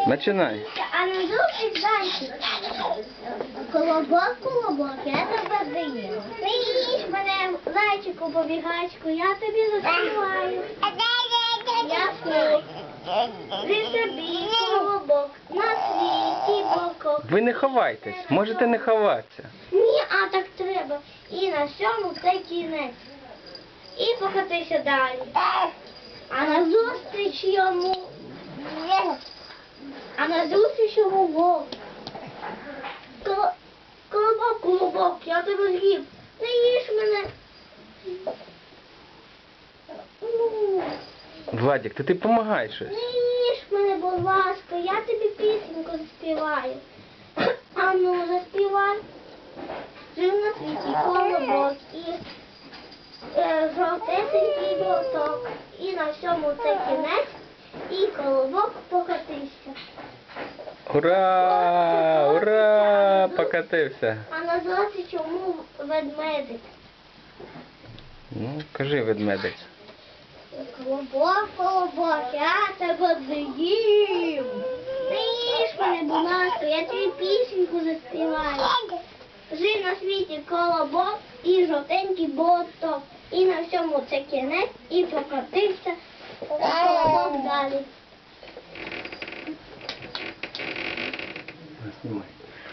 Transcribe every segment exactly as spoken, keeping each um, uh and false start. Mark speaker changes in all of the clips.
Speaker 1: Починай.
Speaker 2: А на зустріч зайчик. Колобок, колобок, я тебе доїм. Ти їж мене, зайчику, побігачку, я тобі заспіваю. Я тут. Ти собі колобок, на світі бокок.
Speaker 1: Ви не ховайтесь, можете не ховатися.
Speaker 2: Ні, а так треба. І на сьому це кінець. І покотися далі. А на зустріч йому. А на зустріч йому вовк. Коло- Колобок, колобок, я тебе з'їв. Не їж мене. Ну,
Speaker 1: Владик, ти ти допомагай щось.
Speaker 2: не їж мене, будь ласка, я тобі пісеньку заспіваю. А ну, заспівай. Жив на світі колобок і е, жовтесенький моток. І на всьому це кінець, і колобок покотився.
Speaker 1: Ура! Ура! Покатився.
Speaker 2: А на зустріч йому ведмедик.
Speaker 1: Ну, кажи, ведмедик.
Speaker 2: Колобок, колобок, я тебе з'їм. Не їж мене, будь ласка, я тобі пісеньку заспіваю. Жив на світі колобок і жовтенький боток. І на всьому це кінець, і покотився колобок далі.
Speaker 1: Знімай.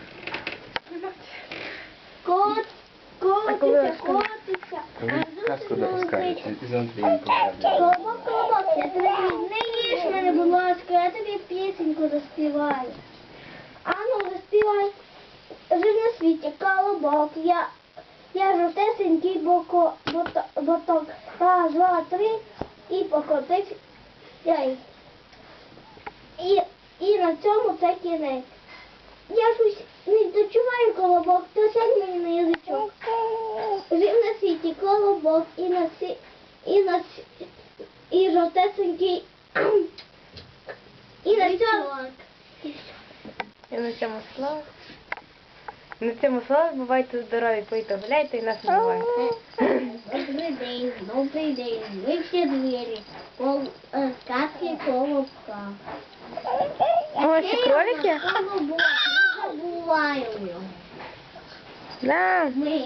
Speaker 2: Кот, котиться, котиться.
Speaker 1: Коли казку допускають, із Андрієм поговоримо.
Speaker 2: Колобок, колобок, я тебе з'їм. Не їж мене, будь ласка, я тобі пісеньку заспіваю. А ну, заспівай. Жив на світі колобок, я, я жовтесенький боко, бото, боток. Раз, два, три, і покотився. й. І, і на цьому це кінець. Я щось не дочуваю колобок, то сядь мені на язичок. Жив на світі колобок і на сі, і на сі, і жовтесенький, і на цьому.
Speaker 3: І на цьому слава. На цьому слава, бувайте здорові, пийте, гуляйте і нас не бувайте.
Speaker 2: Добрий день, добрий день, ви всі двері, кол, е, сказки колобка.
Speaker 3: Ось і кролики?
Speaker 2: Колобок, не забуваємо його.
Speaker 3: Да.
Speaker 2: Ми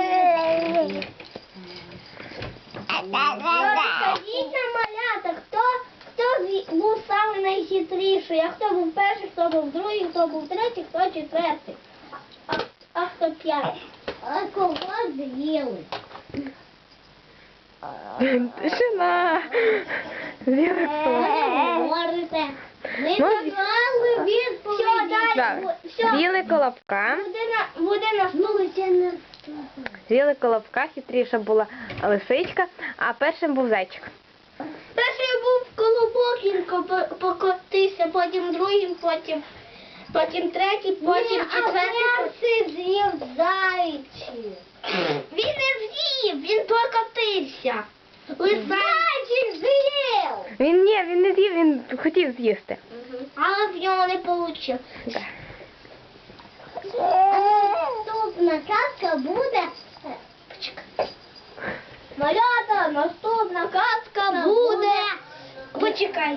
Speaker 2: Скажіть нам, малята, хто, хто зі- був самий найхитріший, а хто був перший, хто був другий, хто був третій, хто четвертий, а, а хто п'ятий. А кого з'їли?
Speaker 3: Тишина. З'їли хто?
Speaker 2: Говорите. Ви
Speaker 3: Ну,
Speaker 2: казали відповіді. Все, далі.
Speaker 3: Так.
Speaker 2: бу- все.
Speaker 3: З'їли колобка.
Speaker 2: Буде на, буде наступний.
Speaker 3: З'їли колобка, хитріша була лисичка, а першим був зайчик.
Speaker 2: Перший був колобок, він ко- покотився, потім другим, потім, потім третій, потім четвертий. Перший з'їв зайчик. Він не з'їв, він покотився. Зайчик з'їв.
Speaker 3: Він ні, він не з'їв, він хотів з'їсти.
Speaker 2: Але в нього не вийшло.
Speaker 3: Да.
Speaker 2: Наступна казка буде. Почекай. Малята, наступна казка буде. Почекай.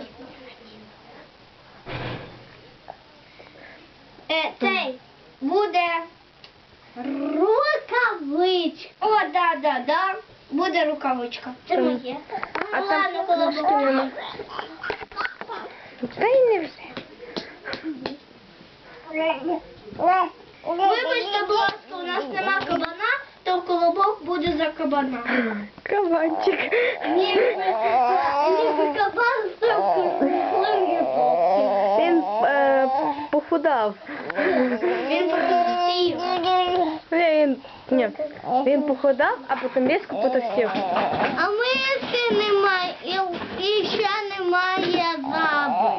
Speaker 2: Е, цей буде рукавичка. О, да, да, да. Буде рукавичка. Це
Speaker 3: Там.
Speaker 2: моє.
Speaker 3: А
Speaker 2: Ну,
Speaker 3: там
Speaker 2: ладно, колобок.
Speaker 3: ножки нема. Та й не все.
Speaker 2: Вибачте, будь ласка, у нас нема кабана, то колобок буде за кабана.
Speaker 3: Кабанчик.
Speaker 2: Ні, ніби кабан став
Speaker 3: Він е, похудав.
Speaker 2: Він потовстів.
Speaker 3: Він, ні, він похудав, а потім різко потовстів.
Speaker 2: А ми ще немає, і, і ще немає жаби.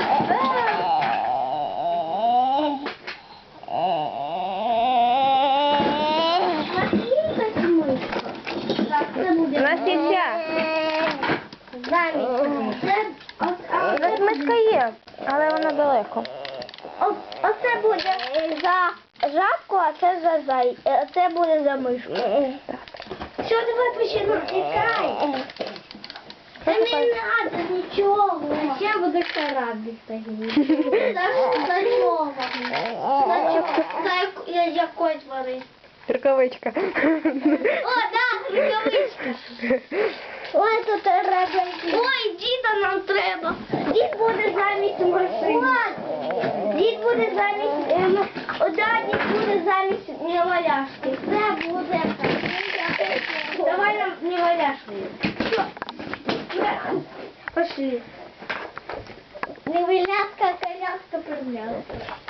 Speaker 3: У нас є ця.
Speaker 2: Замість. Це, о-
Speaker 3: У нас мишка є, але вона далеко.
Speaker 2: о- Оце буде за жабку, а це за зай. е, Це буде за мишку. Що, давай почнемо? Тікай. Та не треба нічого. Я буду шаради стагнути. За чого? За чого? За якої тварини?
Speaker 3: Рукавичка.
Speaker 2: О, да, рукавички. Ой, тут треба. Ой, діда нам треба. Дід буде замість машини. Дід буде замість... ем, О, да, дід буде замість неваляшки. Це буде. Давай нам неваляшку. Пошли. Неваляшка, коляска, примляшка.